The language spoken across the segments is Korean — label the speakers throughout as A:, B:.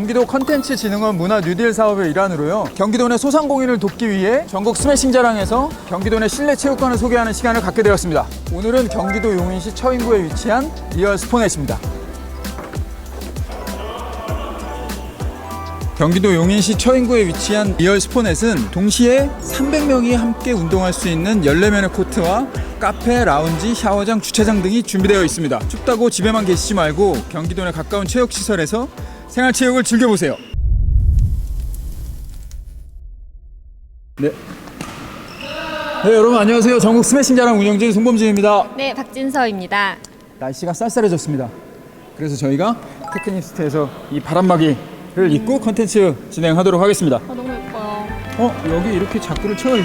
A: 경기도 컨텐츠진흥원 문화 뉴딜 사업의 일환으로요. 경기도 내 소상공인을 돕기 위해 전국 스매싱 자랑에서 경기도 내 실내 체육관을 소개하는 시간을 갖게 되었습니다. 오늘은 경기도 용인시 처인구에 위치한 리얼 스포넷입니다. 경기도 용인시 처인구에 위치한 리얼 스포넷은 동시에 300명이 함께 운동할 수 있는 14면의 코트와 카페, 라운지, 샤워장, 주차장 등이 준비되어 있습니다. 춥다고 집에만 계시지 말고 경기도 내 가까운 체육시설에서 생활체육을 즐겨보세요. 네, 여러분 안녕하세요. 전국 스매싱 자랑 운영진 송범진입니다.
B: 네, 박진서입니다.
A: 날씨가 쌀쌀해졌습니다. 그래서 저희가 테크니스트에서 이 바람막이를 입고 컨텐츠 진행하도록 하겠습니다.
B: 너무 예뻐요.
A: 여기 이렇게 자크를 채워야지.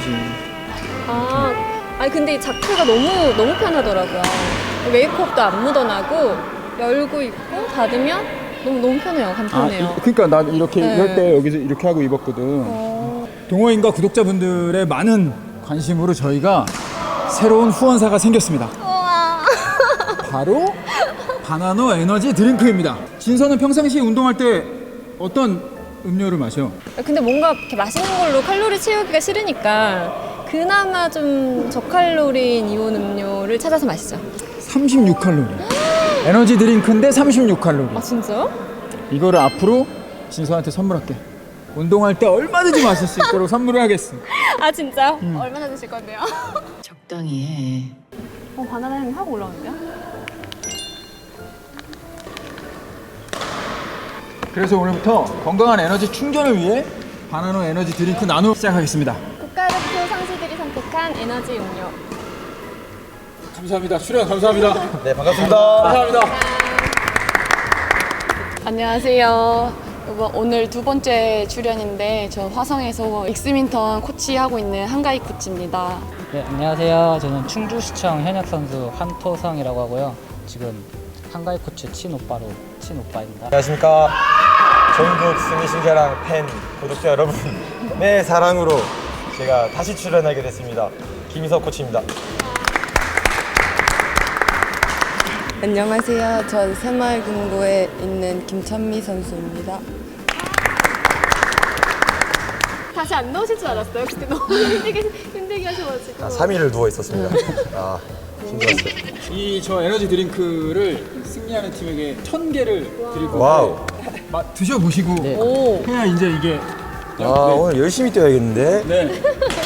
B: 아니 근데 이 자크가 너무 편하더라고요. 메이크업도 안 묻어나고 열고 입고 닫으면 너무 편해요. 간편해요.
A: 그러니까 나 이렇게
B: 네.
A: 이럴 때 여기서 이렇게 하고 입었거든. 동호인과 구독자분들의 많은 관심으로 저희가 새로운 후원사가 생겼습니다.
B: 우와.
A: 바로 바나노 에너지 드링크입니다. 진서는 평상시에 운동할 때 어떤 음료를 마셔?
B: 근데 뭔가 이렇게 맛있는 걸로 칼로리 채우기가 싫으니까 그나마 좀 저칼로리인 이온 음료를 찾아서 마시죠.
A: 36칼로리. 에너지 드링크인데 36칼로리.
B: 아 진짜요?
A: 이거를 앞으로 진서한테 선물할게. 운동할 때 얼마든지 마실 수 있도록 선물을 하겠어.
B: 아 진짜요? 얼마나 드실 건데요?
C: 적당히 해.
B: 바나나 향이 확 올라오는데요?
A: 그래서 오늘부터 건강한 에너지 충전을 위해 바나노 에너지 드링크 나누 시작하겠습니다.
B: 국가대표 선수들이 선택한 에너지 음료.
A: 감사합니다. 출연 감사합니다.
D: 네, 반갑습니다.
A: 감사합니다.
E: 안녕하세요. 오늘 두 번째 출연인데 저 화성에서 익스민턴 코치하고 있는 한가희 코치입니다.
F: 네, 안녕하세요. 저는 충주시청 현역 선수 한토성이라고 하고요. 지금 한가희 코치 친오빠입니다.
D: 안녕하십니까. 전국 스매싱 자랑 팬 구독자 여러분의 사랑으로 제가 다시 출연하게 됐습니다. 김희석 코치입니다.
E: 안녕하세요. 전 새마을금고에 있는 김찬미 선수입니다.
B: 다시 안 나오실 줄 알았어요. 그때 너무 힘들게 하셔가지고.
D: 3일을 누워 있었습니다. 힘들었어요.
A: 이 저 에너지 드링크를 승리하는 팀에게 1000개를 드릴 건데
D: 와우.
A: 드셔보시고
B: 오.
A: 해야 이제 이게
D: 오늘 열심히 뛰어야겠는데.
A: 네.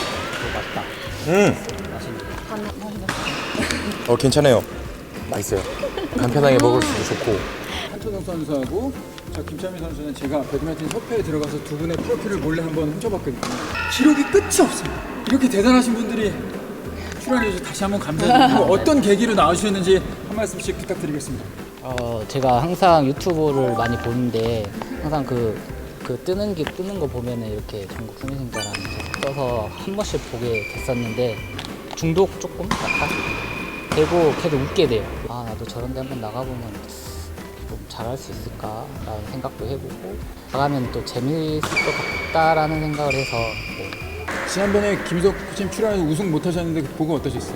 D: 괜찮아요. 맛있어요. 간편하게 먹을 수도 좋고.
A: 한초동 선수하고 저 김찬미 선수는 제가 배드민턴 협회에 들어가서 두 분의 프로필을 몰래 한번 훔쳐봤거든요. 기록이 끝이 없습니다. 이렇게 대단하신 분들이 출연해주셔서 다시 한번 감사드리고 어떤 계기로 나와주셨는지 한 말씀씩 부탁드리겠습니다.
F: 제가 항상 유튜브를 많이 보는데 항상 그 뜨는 거 보면은 이렇게 전국 스매싱자랑 떠서 한 번씩 보게 됐었는데 중독 조금 약간 되고 계속 웃게 돼요. 나도 저런 데 한번 나가보면 좀 잘할 수 있을까라는 생각도 해보고 나가면 또 재미있을 것 같다라는 생각을 해서
A: 지난번에 김석 코치님 출연해서 우승 못하셨는데 보고 어떠셨어요?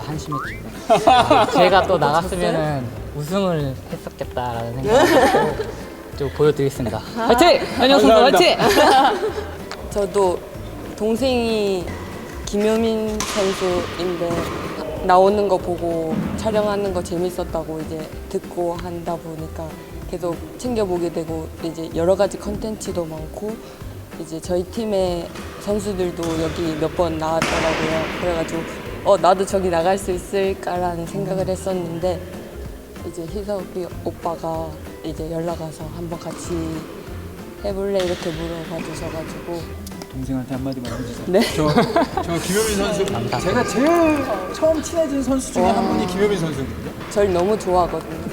F: 한심했죠. 제가 또 나갔으면은 우승을 했었겠다라는 생각을 좀 보여드리겠습니다. 화이팅! 현역 선수 화이팅!
E: 저도 동생이 김효민 선수인데 나오는 거 보고 촬영하는 거 재밌었다고 이제 듣고 한다 보니까 계속 챙겨보게 되고 이제 여러 가지 컨텐츠도 많고 이제 저희 팀의 선수들도 여기 몇 번 나왔더라고요. 그래가지고 나도 저기 나갈 수 있을까라는 생각을 했었는데 이제 희석이 오빠가 이제 연락 와서 한번 같이 해볼래 이렇게 물어봐 주셔가지고
A: 동생한테 한마디만 해주세요.
E: 네.
A: 저 김효민 선수 제가 제일 처음 친해진 선수 중에 한 분이 김효민 선수거든요.
E: 절 너무 좋아하거든요.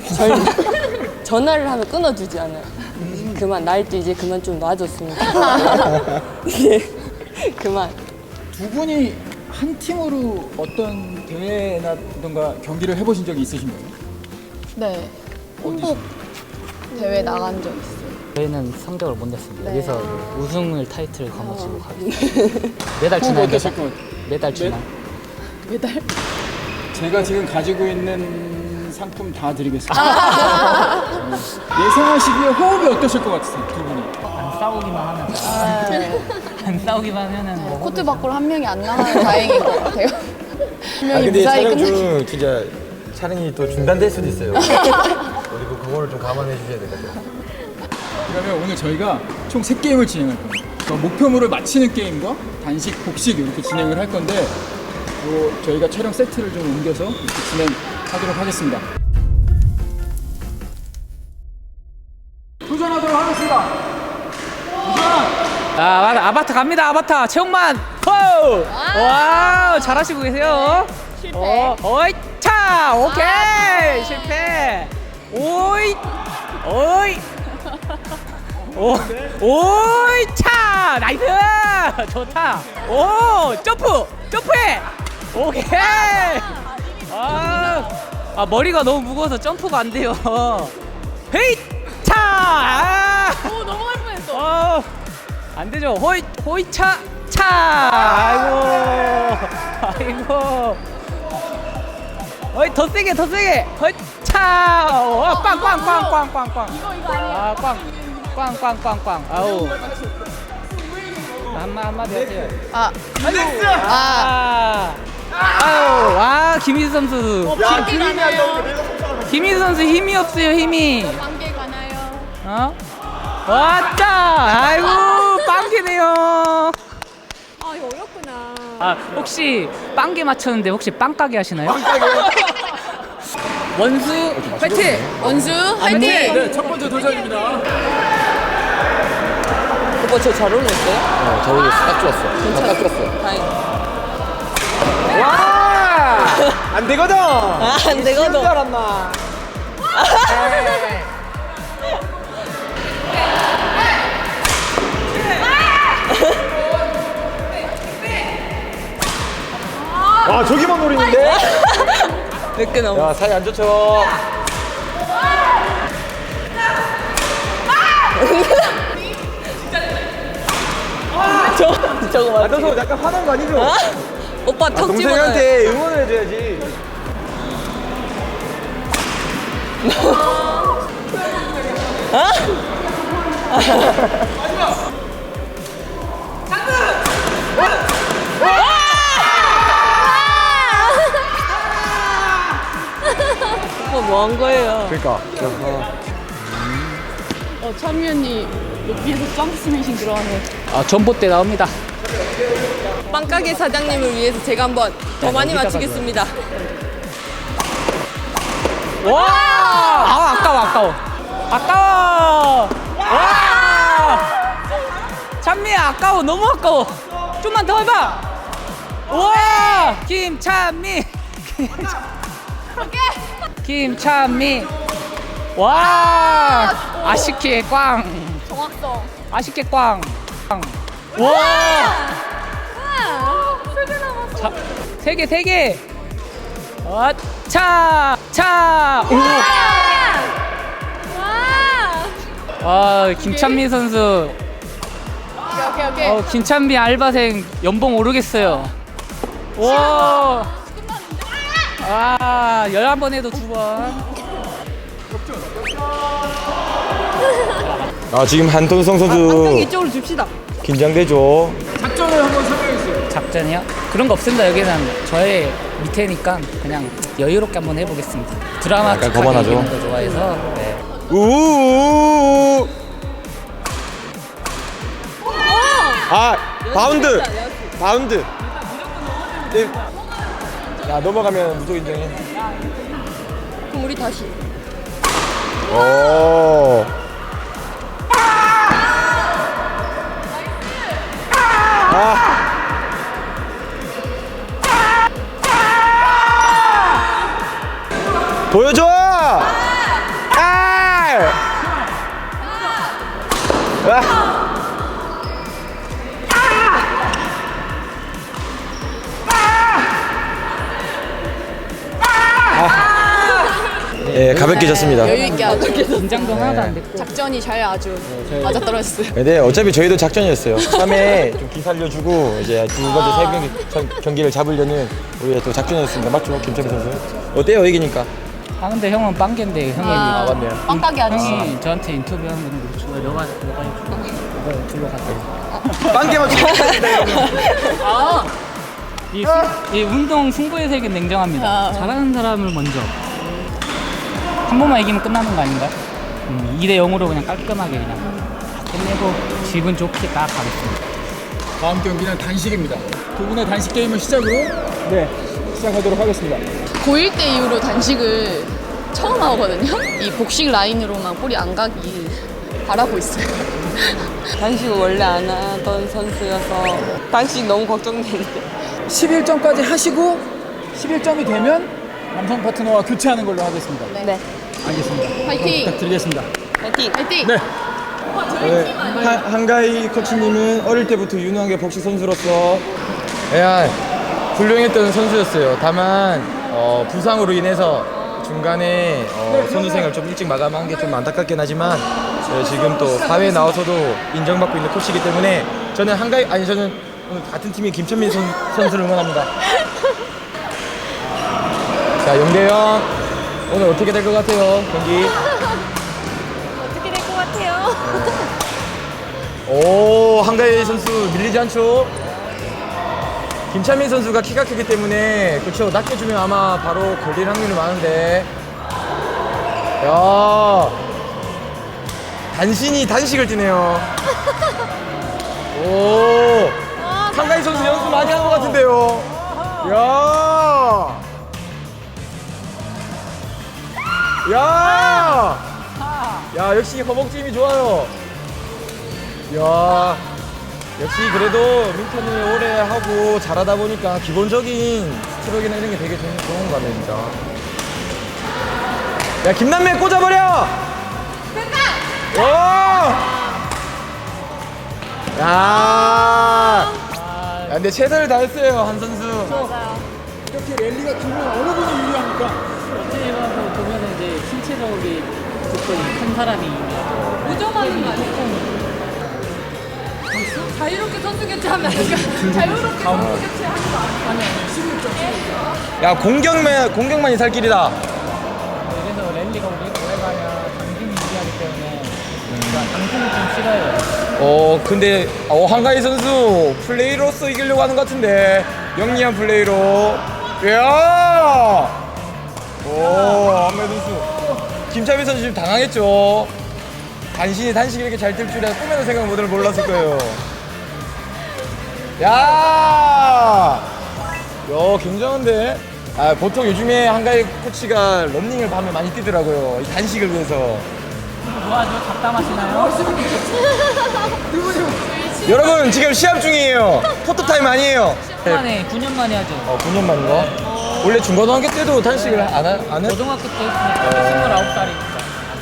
E: 전화를 하면 끊어주지 않아요. 그만 나이도 이제 그만 좀 놔줬으면 좋겠어요. 이제 그만.
A: 두 분이 한 팀으로 어떤 대회나든가 경기를 해보신 적이 있으신가요?
E: 네. 홍보 대회 나간 적 있어요.
F: 저희는 성적을 못 냈습니다.
E: 네.
F: 여기서 우승을 타이틀을 거머쥐고 가겠습니다. 매달 주나요?
A: 어떠실 것 같아요?
F: 매달 주나요?
E: 매달?
A: 제가 지금 가지고 있는 상품 다 드리겠습니다. 예상하시기에 호흡이 어떠실 것 같으세요, 두 분이?
F: 안 싸우기만 하면 안 싸우기만 하면은 뭐
B: 코트 밖으로 한 명이 안 나가면 다행인 것 같아요. 한
D: 아
B: 명이
D: 근데
B: 무사히
D: 촬영
B: 끝나.
D: 중 진짜 촬영이 또 중단될 수도 있어요. 그리고 그거를 좀 감안해 주셔야 될 것 같아요.
A: 그러면 오늘 저희가 총 3게임을 진행할 겁니다. 목표물을 맞히는 게임과 단식, 복식 이렇게 진행을 할 건데 저희가 촬영 세트를 좀 옮겨서 이렇게 진행하도록 하겠습니다. 도전하도록 하겠습니다.
G: 아바타 갑니다. 아바타 최홍만. 호! 와 잘하시고 계세요.
B: 실패.
G: 어이 차 오케이 실패. 오이 오이 오이 차 나이스 좋다. 오 점프해. 오케이. 아 머리가 너무 무거워서 점프가 안 돼요. 헤이 차.
B: 오, 넘어갈 뻔했어.
G: 안 되죠. 호이차 아이고. 어이 더 세게. 호이차. 빵빵빵빵빵빵.
B: 이거 아니야.
G: 꽝꽝꽝꽝. 아우. 한마디 하세요. 아유, 김희수 선수.
B: 관계 가나요?
G: 김희수 선수 힘이 없어요, 힘이.
B: 관계 가나요?
G: 어? 왔다! 아이고, 빵개네요.
B: 아, 이거 어렵구나.
G: 아, 혹시 빵개 맞췄는데 혹시 빵가게 하시나요? 원수 파이팅!
B: 원수 화이팅!
A: 네, 첫 번째 도전입니다.
E: 오빠 저 잘 어울렸어요?
D: 잘 어울렸어. 딱 좋았어. 딱 좋았어.
E: 다행.
D: 안 되거든.
E: 안 되거든.
D: 알았나? 와 저기만 노리는데?
E: 몇 개 넘어.
D: 야 사이 안 좋죠.
E: 저거 맞지?
D: 너 약간 화난 거 아니죠?
E: 오빠 턱 집어넣어요.
D: 동생한테 응원을 해줘야지.
E: 오빠 뭐 한 거예요?
D: 그러니까.
B: 찬미 언니 높이에서 점프 스매싱 들어가네.
G: 아, 전봇대 나옵니다.
E: 빵가게 사장님을 위해서 제가 한번 더 많이 맞추겠습니다.
G: 와! 아까워. 와! 찬미야, 아까워. 너무 아까워. 좀만 더 해봐. 우와! 김찬미. 김찬미. 와! 아쉽게 꽝.
B: 정확성.
G: 아쉽게 꽝. 와!
B: 세개 남았어.
G: 자, 세 개. 차. 오.
B: 와.
G: 김찬미 선수.
B: 오케이.
G: 김찬미 알바생 연봉 오르겠어요. 와. 11번 해도 2번.
D: 아 지금 한동성 선수
E: 이쪽으로 줍시다.
D: 긴장되죠.
A: 작전을 한번 설명해주세요.
G: 작전이요? 그런 거 없습니다. 여기는 저의 밑에니까 그냥 여유롭게 한번 해보겠습니다. 드라마틱하게
D: 거만하죠.
G: 이기는 거 좋아해서. 네.
D: 우우우우. 아 바운드. 네. 야 넘어가면 무조건 인정해.
E: 그럼 우리 다시.
D: 오. 보여줘! 예, 가볍게 졌습니다.
B: 여유 있게 아주
G: 긴장도 하나도 안 됐고.
B: 작전이 잘 아주 맞아 떨어졌어요.
D: 근데 어차피 저희도 작전이었어요. 3회 좀 기살려주고 이제 두 번째 경기를 잡으려는 우리의 또 작전이었습니다. 맞죠, 김철민 선수? 어때요, 이기니까?
G: 아 근데 형은 빵개인데 형이
B: 아,
D: 맞네요.
B: 빵가게 아저씨.
G: 형이 저한테 인터뷰하면 그렇죠. 너가 이거 둘러 갔다.
D: 빵개만
G: 아! 이 운동 승부의 세계는 냉정합니다.
B: 아.
G: 잘하는 사람을 먼저 한 번만 이기면 끝나는 거 아닌가? 2대 0으로 그냥 깔끔하게 그냥 끝내고 기분 좋게 딱 가겠습니다.
A: 다음 경기는 단식입니다. 두 분의 단식 게임을 시작으로 시작하도록 하겠습니다.
B: 고1 때 이후로 단식을 처음 하거든요. 이 복식 라인으로만 볼이 안 가기 바라고 있어요.
E: 단식을 원래 안 하던 선수여서 단식 너무 걱정되는데.
A: 11점까지 하시고 11점이 되면 남성 파트너와 교체하는 걸로 하겠습니다.
E: 네.
A: 알겠습니다.
B: 화이팅!
A: 그럼 부탁드리겠습니다.
E: 파이팅!
B: 화이팅!
A: 네.
D: 네, 한가희 코치님은 어릴 때부터 유능하게 복식 선수로서 훌륭했던 선수였어요. 다만 부상으로 인해서 중간에 선수 생활 좀 일찍 마감한 게 좀 안타깝긴 하지만 지금 또 사회에 나와서도 인정받고 있는 코치이기 때문에 저는 저는 오늘 같은 팀인 김천민 선수를 응원합니다. 자, 영대형 오늘 어떻게 될 것 같아요, 경기?
B: 어떻게 될 것 같아요?
D: 오, 한가희 선수 밀리지 않죠? 김찬민 선수가 키가 크기 때문에 그렇죠, 낚여주면 아마 바로 걸릴 확률이 많은데 야, 단신이 단식을 뛰네요. 오, 한가희 선수 연습 많이 한 것 같은데요. 야, 역시 허벅지 힘이 좋아요. 야, 역시 그래도 민턴을 오래 하고 잘하다 보니까 기본적인 스트로크나 이런 게 되게 좋은 것 같네, 진짜. 야, 김남매 꽂아버려! 오! 야, 근데 최선을 다했어요, 한 선수.
A: 이렇게 랠리가 길면 어느 분이 유리합니까?
G: 어떻게 보면 이제 신체적인 조건이 큰 사람이
B: 무정하는 거 아니에요? 자유롭게 선수 교체하면 안 돼요? 자유롭게 선수 교체하는 거 아니에요?
D: 야, 공격만이 살 길이다.
G: 그래서 랠리가 오래 가면 당신이 유리하기 때문에 당신이 좀 싫어요.
D: 근데 한가희 선수 플레이로서 이기려고 하는 것 같은데 영리한 플레이로. 야! 한가희 선수. 김찬민 선수 지금 당황했죠. 단식이 이렇게 잘 뛸 줄이야 꿈에도 생각 못할 몰랐을 거예요. 야, 굉장한데. 보통 요즘에 한가희 코치가 런닝을 밤에 많이 뛰더라고요. 이 단식을 위해서.
G: 뭐하죠? 잡담하시나요?
D: 여러분 지금 시합 중이에요. 포토타임 아니에요.
G: 9년 만에 하죠.
D: 9년 만인가? 원래 중고등학교 때도 단식을 안 해?
G: 고등학교 때 했으니까 29살이니까.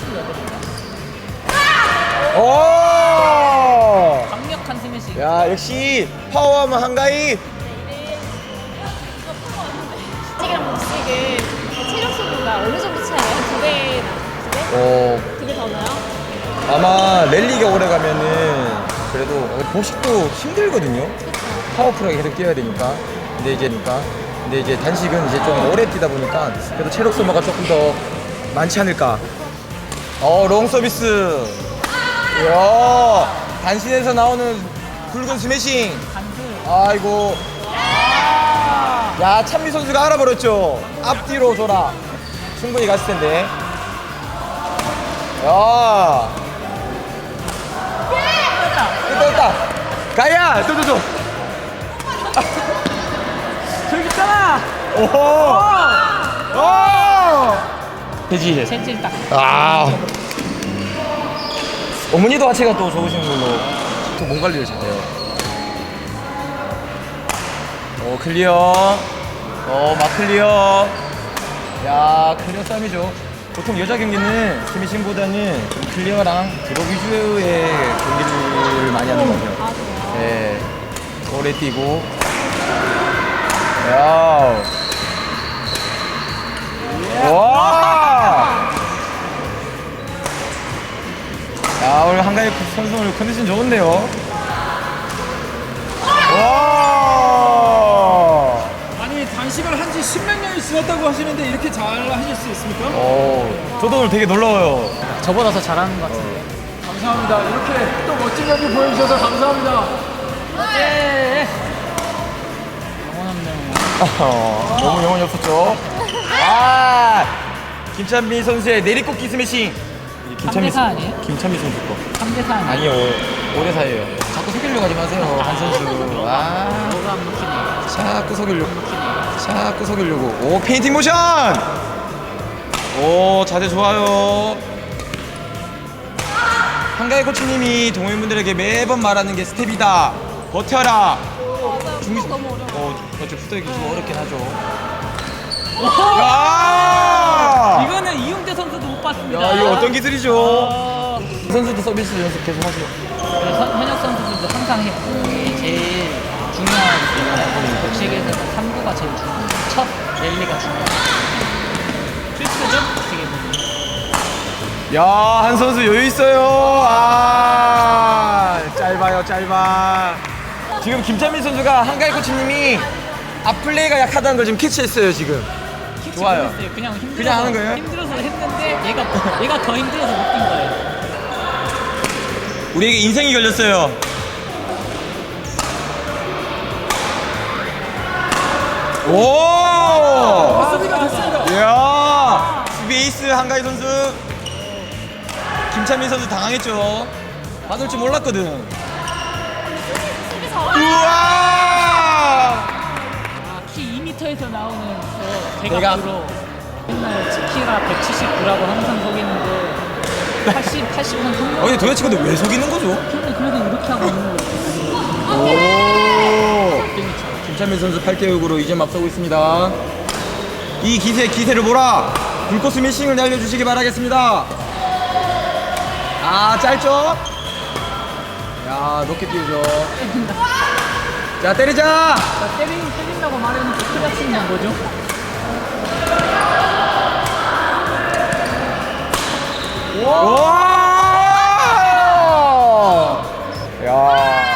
D: 오!
G: 강력한 스매시.
D: 야, 역시 파워하면 한가희.
B: 복식이랑 복식은 체력 소모가 어느 정도 차이나요? 두 배? 두 배 더 나요?
D: 아마 랠리가 오래 가면은 그래도 복식도 힘들거든요. 파워풀하게 계속 뛰어야 되니까. 근데 이제 단식은 이제 좀 오래 뛰다 보니까 그래도 체력 소모가 조금 더 많지 않을까. 롱 서비스. 이야, 단신에서 나오는 굵은 스매싱. 아이고. 야, 찬미 선수가 알아버렸죠. 앞뒤로 줘라. 충분히 갔을 텐데. 야. 됐다. 가야, 줘. 저기 있잖아. 오. 되지.
G: 체질 딱.
D: 어머니도 하체가 또 좋으신 걸로 또 몸 관리를 잘해요. 클리어. 막 클리어. 야, 클리어 싸움이죠. 보통 여자 경기는 스미싱보다는 좀 클리어랑 드롭 위주의 경기를 많이 하는 것 같아요. 네, 오래 뛰고. 야. 와. 야, 오늘 한가위 선수 오늘 컨디션 좋은데요. 와.
A: 아니 단식을 한 지 10몇 년이 쓰였다고 하시는데 이렇게 잘 하실 수 있습니까?
D: 저도 오늘 되게 놀라워요.
G: 저보다 더 잘하는 것 같은데.
A: 감사합니다. 이렇게 또 멋진 연기 보여주셔서 감사합니다.
G: 영혼 없네요.
D: 너무 영혼이 없었죠. 김찬미 선수의 내리꽂기 스매싱. 김찬미
G: 3대4 아니에요?
D: 김찬미 선수 거.
G: 3대4 아니에요?
D: 아니요, 5대4예요. 자꾸 속이려고 하지 마세요, 한 선수.
G: 뭐가 안 먹히네요.
D: 자꾸 속이려고. 오, 페인팅 모션! 오, 자세 좋아요. 한가위 코치님이 동호인분들에게 매번 말하는 게 스텝이다. 버텨라. 중심. 그렇죠. 푸드기 좀 어렵긴 하죠. 야!
G: 이거는 이용재 선수도 못 봤습니다.
D: 야, 이거 어떤 기술이죠? 선수도 서비스 연습 계속 하세요.
G: 현역 선수들도 항상 해요. 이게 제일 중요하기 때문에 복식에서는 3구가 제일 중요해요. 첫 랠리가 중요해요. 필수죠? 어떻게 보면.
D: 야, 한 선수 여유 있어요. 짧아. 지금 김찬민 선수가 한가위 코치님이 앞플레이가 약하다는 걸 지금 캐치했어요, 지금. 좋아요.
G: 모르겠어요. 그냥 힘들어서,
D: 그냥 하는 거예요?
G: 힘들어서 했는데 얘가 더 힘들어서 못 뛴 거예요.
D: 우리에게 인생이 걸렸어요. 오!
A: 수비가 됐습니다.
D: 이야! 수비 에이스 한가위 선수. 김찬민 선수 당황했죠. 받을 줄 몰랐거든. 우와!
G: 키 2m에서 나오는 저
D: 대각.
G: 대각으로 맨날 키가 179라고 항상 속이는데 80은 성공.
D: 근데 도대체 왜 속이는 거죠?
G: 그래도 이렇게 하고 있는 거예요.
D: 오! 김찬민 선수 8대6으로 2점 앞서고 있습니다. 이 기세를 몰아 불꽃 스매싱을 날려주시기 바라겠습니다. 짧죠? 야, 높게 띄우죠. 자, 때리자!
G: 때린다고 말했는데 크리아치는 뭐죠?
D: 와! 야.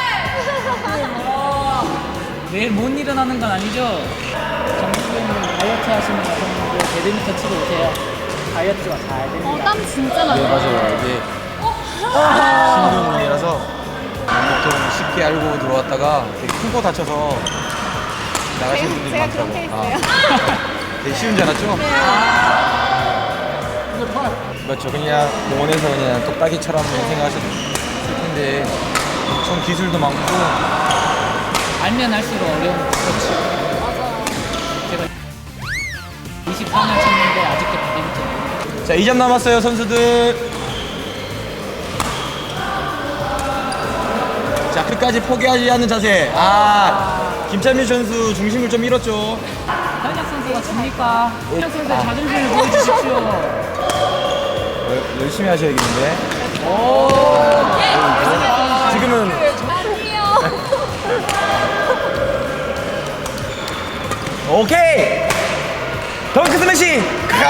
G: 내일 못 일어나는 건 아니죠? 정수님 다이어트 하시는 거 같았는데 배드민턴 치러 오세요. 다이어트가 잘 됩니다.
B: 땀 진짜
D: 네,
B: 나요.
D: 맞아요. 이게 힘든 운동이라서 보통 쉽게 알고 들어왔다가 되게 큰 거 다쳐서 나가시는 분들이
B: 제가
D: 많더라고요.
B: 그렇게 했어요.
D: 되게 쉬운 줄 알았죠? 그렇죠. 그냥 공원에서 그냥 똑딱이처럼 생각하셨을 텐데 엄청 기술도 많고.
G: 알면 할수록 어려운 거 그렇지. 맞아. 제가 24년 쳤는데 아직도 배드민턴.
D: 자, 2점 남았어요, 선수들. 자, 끝까지 포기하지 않는 자세. 김찬민 선수 중심을 좀 잃었죠.
G: 현역 선수가 집니까? 현역 선수의 자존심을 보여주십시오.
D: 열심히 하셔야겠는데. 지금은 오케이. 덩크 스매싱.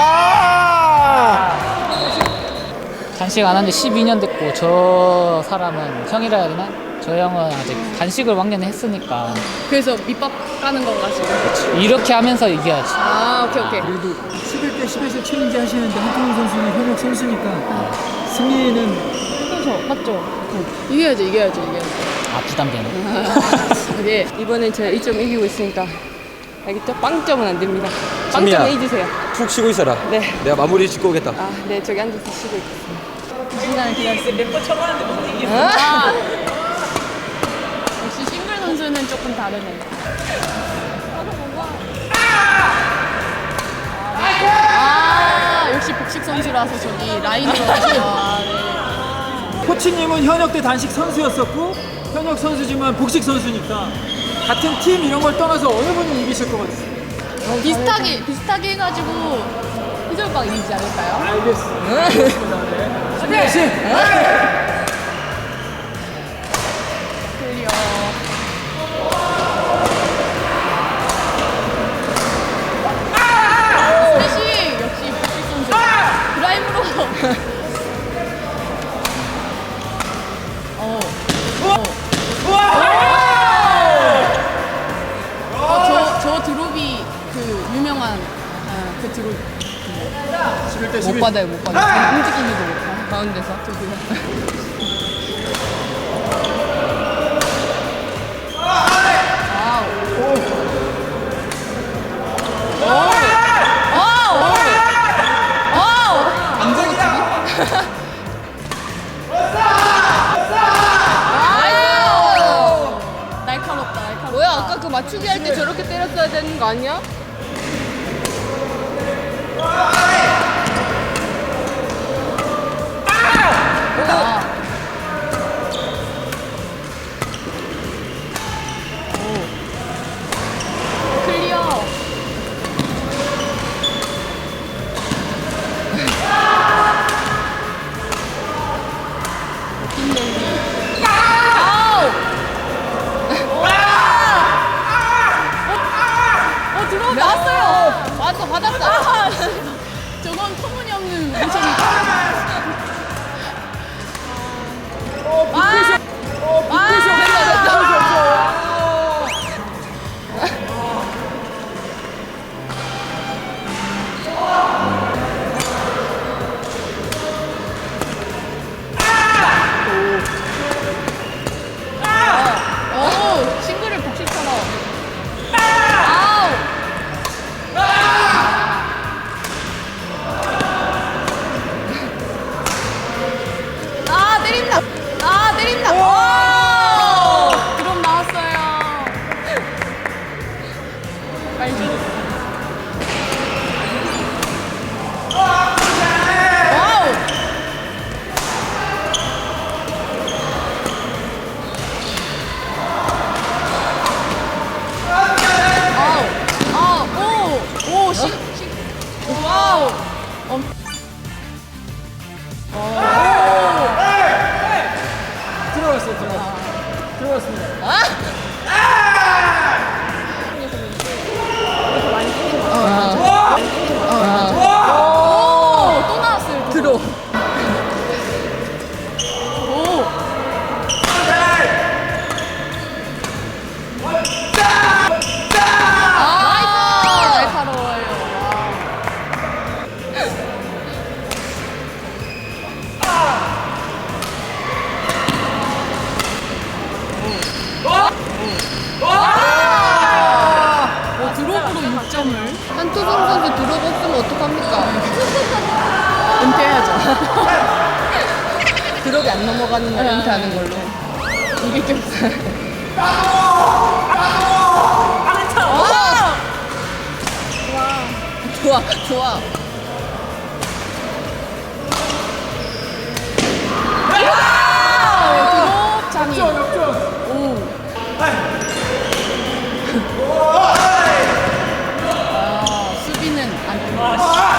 G: 단식 안 한 지 12년 됐고 저 사람은 형이라 해야 되나? 저 형은 아직 단식을 왕년에 했으니까
B: 그래서 밑밥 까는 거 가지고.
G: 이렇게 하면서 이겨야지.
B: 오케이.
A: 그래도 11대 10에서 챌린지 하시는데 한동훈 선수는 현역 선수니까 승리는
B: 그래서 맞죠? 이겨야지.
G: 아 부담되네.
B: 네.
E: 이번엔 제가 1점 이기고 있으니까 알겠죠? 빵점은 안 됩니다.
D: 찬미야.
E: 빵점은 잊으세요.
D: 푹 쉬고 있어라.
E: 네.
D: 내가 마무리 짓고 오겠다.
E: 네, 저기 앉아서 쉬고 있겠습니다.
B: 이 시간을 기다렸습니다. 몇 번 쳐봤는데 못 이겼어. 역시 싱글 선수는 조금 다르네. 역시 복식 선수라서 저기 라인으로 가시죠.
A: 코치님은 현역 때 단식 선수였었고 현역 선수지만 복식 선수니까 같은 팀 이런 걸 떠나서 어느 분이 이기실 것 같으세요?
B: 비슷하게 해가지고 희절방 이기지 않을까요?
A: 알겠습니다. 스매싱!
B: 클리어. 스매싱! 역시 복식 선수. 드라이브로. 저 드롭이 그 유명한
H: 그 뒤로
A: 11대 11.
H: 못 받아요, 못 받아요. 움직이지도 못해. 가운데서 저기요. 날카롭다, 날카롭다.
B: 뭐야 아까 그 맞추기 할 때 저렇게 때렸어야 되는 거 아니야?
H: 클리어.
B: 들어온 나왔어요.
H: 맞어, 받았어. 저건 터무니없는 모션이다. 오, 싱글을 복식처럼. 아우.
B: 아 때린다. 아 때린다.
H: 오! 드럼 나왔어요. 빨리. 와우! 오, 와우!
A: 들어갔습니다.
H: 오, 또 나왔어요. 들어. 오. 날카로워요. 드롭으로 6점을.
B: 한투성 선수 드롭 없으면 어떡합니까?
H: 은퇴해야죠.
B: 드롭이 안 넘어가는 날 은퇴하는 걸로.
H: 이게 좀.
B: 좋아 좋아.
H: 드롭 장이. 수비는 안 들어갔어.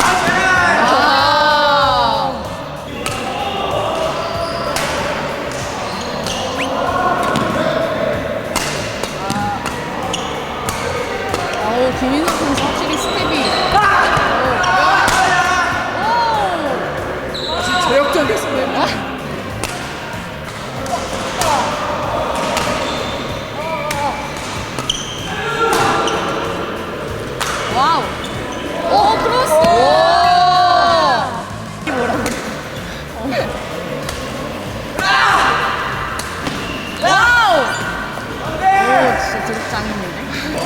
H: 김인석 선수 확실히 스텝이.
A: 제역적이었습니다.
H: 와우. 오, 크로스. 이게 뭐라고? 와우. 오, 진짜 드롭 짱입니다.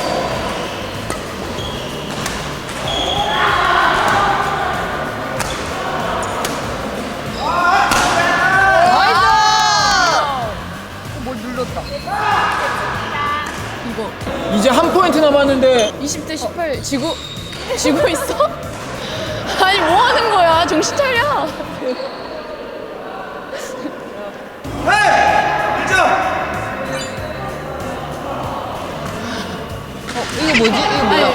A: 이제 한 포인트 남았는데
H: 20대 18 지고 있어? 아니 뭐 하는 거야? 정신 차려.
B: 이게 뭐지? 이게 뭐야?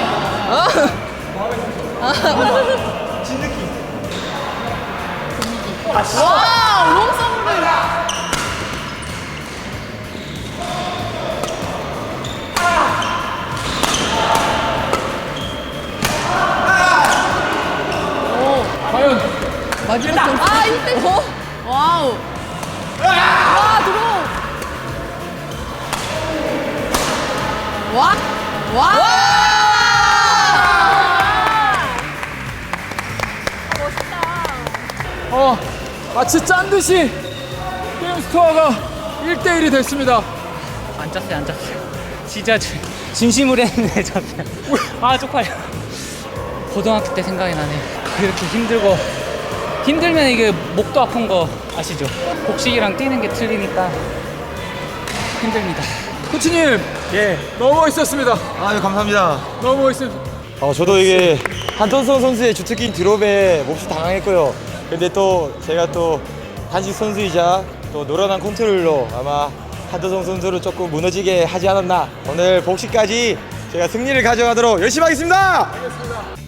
H: 와, 롱서브를.
A: 과연
H: 마지막 점. 아, 이때. 와우. 와, 들어. 와. 와.
A: 마치 짠 듯이 게임 스코어가 1대1이 됐습니다.
G: 안 짰어요, 안 짰어요. 진짜 진심으로 했는데 졌어요. 아, 쪽팔려. 고등학교 때 생각이 나네. 그렇게 힘들고, 힘들면 이게 목도 아픈 거 아시죠? 복식이랑 뛰는 게 틀리니까 힘듭니다.
A: 코치님,
D: 예.
A: 너무 멋있었습니다.
D: 아, 감사합니다.
A: 너무 멋있습니다.
D: 저도 이게 한턴성 선수의 주특기 드롭에 몹시 당황했고요. 근데 또 제가 또 단식 선수이자 또 노련한 컨트롤로 아마 한턴성 선수를 조금 무너지게 하지 않았나. 오늘 복식까지 제가 승리를 가져가도록 열심히 하겠습니다.